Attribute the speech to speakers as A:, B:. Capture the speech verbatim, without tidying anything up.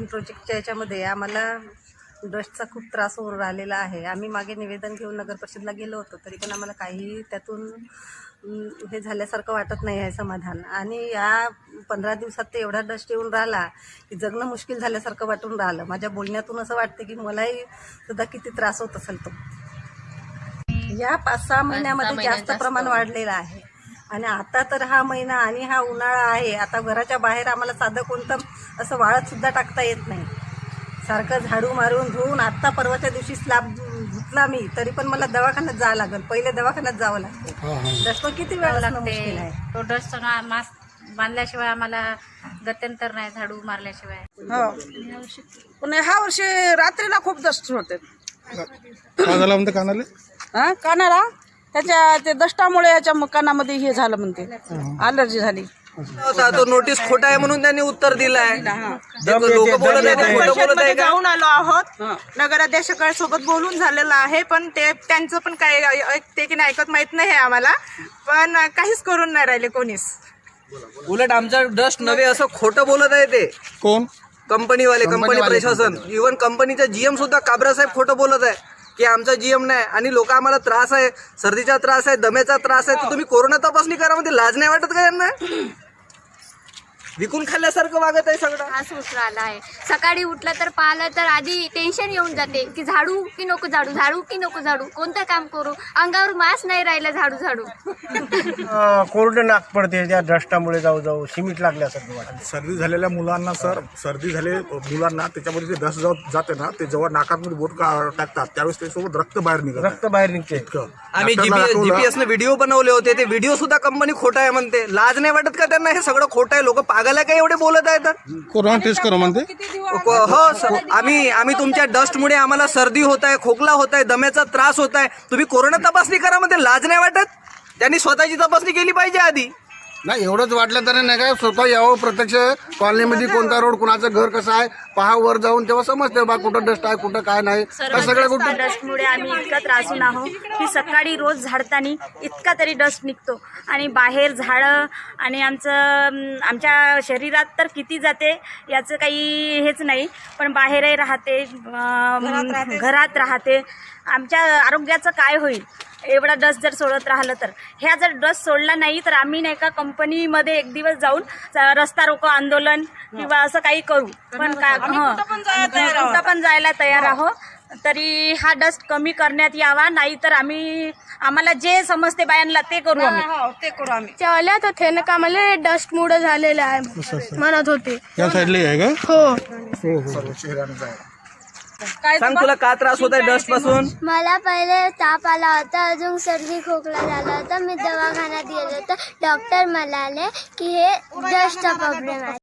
A: Green प्रोजेक्टच्या याच्यामध्ये आम्हाला डस्टचा खूप त्रास होऊन राहिलेला आहे. आम्ही मागे निवेदन घेऊन नगर परिषदला गेलो होतो, तरी पण आम्हाला काही त्यातून हे झाल्यासारखं वाटत नाही आहे समाधान. आणि या पंधरा दिवसात ते एवढा डस्ट येऊन राहिला की जगणं मुश्किल झाल्यासारखं वाटून राहिलं. माझ्या बोलण्यातून असं वाटतं की मलाही सुद्धा किती त्रास होत असेल तो. या पाच सहा महिन्यामध्ये जास्त प्रमाण वाढलेलं आहे. आणि आता तर हा महिना आणि हा उन्हाळा आहे. आता घराच्या बाहेर आम्हाला साधं कोणतं असं वाळत सुद्धा टाकता येत नाही. सारखं झाडू मारून धुवून आत्ता परवाच्या दिवशी स्लॅब धुतला मी, तरी पण मला दवाखान्यात जावं लागेल. पहिले दवाखान्यात जावं लागतं. डस्ट किती वेळ लागते.
B: तो डस्ट मास्क बांधल्याशिवाय आम्हाला गत्यंतर नाही, झाडू मारल्याशिवाय.
C: हो, पण ह्या वर्षी रात्रीला खूप डस्ट होते.
D: काय झालं म्हणते कानाले?
C: हा, कानाला त्याच्या ते दष्टामुळे याच्या कानामध्ये हे झालं म्हणते, अलर्जी झाली.
E: तो नोटीस खोटा आहे म्हणून त्यांनी उत्तर दिलंय. लोक बोलत आहे.
F: जाऊन आलो आहोत, नगराध्यक्षांसोबत बोलून झालेलं आहे, पण ते त्यांचं पण काय ऐकते की नाही ऐकत माहित नाही आम्हाला. पण काहीच करून नाही राहिले कोणीच.
E: उलट आमचा डस्ट नव्हे असं खोटं बोलत आहे. ते
D: कोण?
E: कंपनीवाले, कंपनी प्रशासन, इव्हन कंपनीचा जीएम सुद्धा काबरा साहेब खोटं बोलत आहे की आमचा जीएम नाही. आणि लोक आम्हाला त्रास आहे, सर्दीचा त्रास आहे, दम्याचा त्रास आहे, तर तुम्ही कोरोना तपासणी करा मध्ये लाज नाही वाटत का यांना? विकून खाल्ल्यासारखं वागत आहे सगळं.
G: त्रास होत राहिला आहे. सकाळी उठलं तर पाहिलं तर आधी टेन्शन येऊन जाते की झाडू की नको झाडू, झाडू की नको झाडू, कोणतं काम करू, अंगावर मास्क नाही राहिलं झाडू झाडू.
H: कोरडे नाक पडते त्या डस्टामुळे, जाऊ जाऊ सिमेंट लागल्यासारखं वाटतं.
D: सर्दी झालेल्या मुलांना सर, सर्दी झाले मुलांना त्याच्यामध्ये जे डस्ट जाऊ जाते ना, ते जेव्हा नाकामध्ये बोट टाकतात त्यावेळेस त्यासोबत रक्त बाहेर निघत
H: रक्त बाहेर निघते.
E: आम्ही जीपीएस ने व्हिडिओ बनवले होते, ते व्हिडिओ सुद्धा कंपनी खोटा आहे म्हणते. लाज नाही वाटत का त्यांना? हे सगळं खोटं आहे. लोक पागल आहे का एवढे बोलत आहेत?
D: कोरोना टेस्ट करू म्हणते.
E: हो सर, आम्ही आम्ही तुमच्या डस्टमुळे आम्हाला सर्दी होत आहे, खोकला होत आहे, दम्याचा त्रास होत आहे, तुम्ही कोरोना तपासणी करा मध्ये लाज नाही वाटत? त्यांनी स्वतःची तपासणी केली पाहिजे आधी.
D: नाही, एवढंच वाटलं तरी नाही काय, स्वतः यावं प्रत्यक्ष कॉलनीमध्ये, कोणता रोड, कुणाचं घर कसं आहे पहा, वर जाऊन तेव्हा समजते बा कुठं डस्ट आहे कुठं काय नाही. सगळं कुठं
I: डस्टमुळे आम्ही इतका त्रासून आहोत की सकाळी रोज झाडताना इतका तरी डस्ट निघतो. आणि बाहेर झाडं आणि आमचं आमच्या शरीरात तर किती जाते याचं काही हेच नाही, पण बाहेरही राहते, घरात राहते. आमच्या आरोग्याचं काय होईल एवढा डस्ट जर सोडत राहिलं तर? ह्या जर डस्ट सोडला नाही तर आम्ही नाही का कंपनीमध्ये एक दिवस जाऊन रस्ता रोको आंदोलन किंवा असं काही करू. पण काय कुठं पण जायला तयार आहो. तरी हा डस्ट कमी करण्यात यावा, नाही तर आम्ही आम्हाला जे समजते बायांना ते करू आम्ही
C: ते करू आम्ही.
I: तेव्हा तर थे का मला डस्ट मुळे झालेलं आहे म्हणत होते.
D: या साईडला आहे का?
I: हो.
E: सांग, तुला का त्रास होत आहे डस्ट पासून?
G: मला पहिले ताप आला होता, अजून सर्दी खोकला झाला होता. मी दवाखान्यात गेलो तर डॉक्टर म्हणाले की हे डस्टचा प्रॉब्लेम आहे.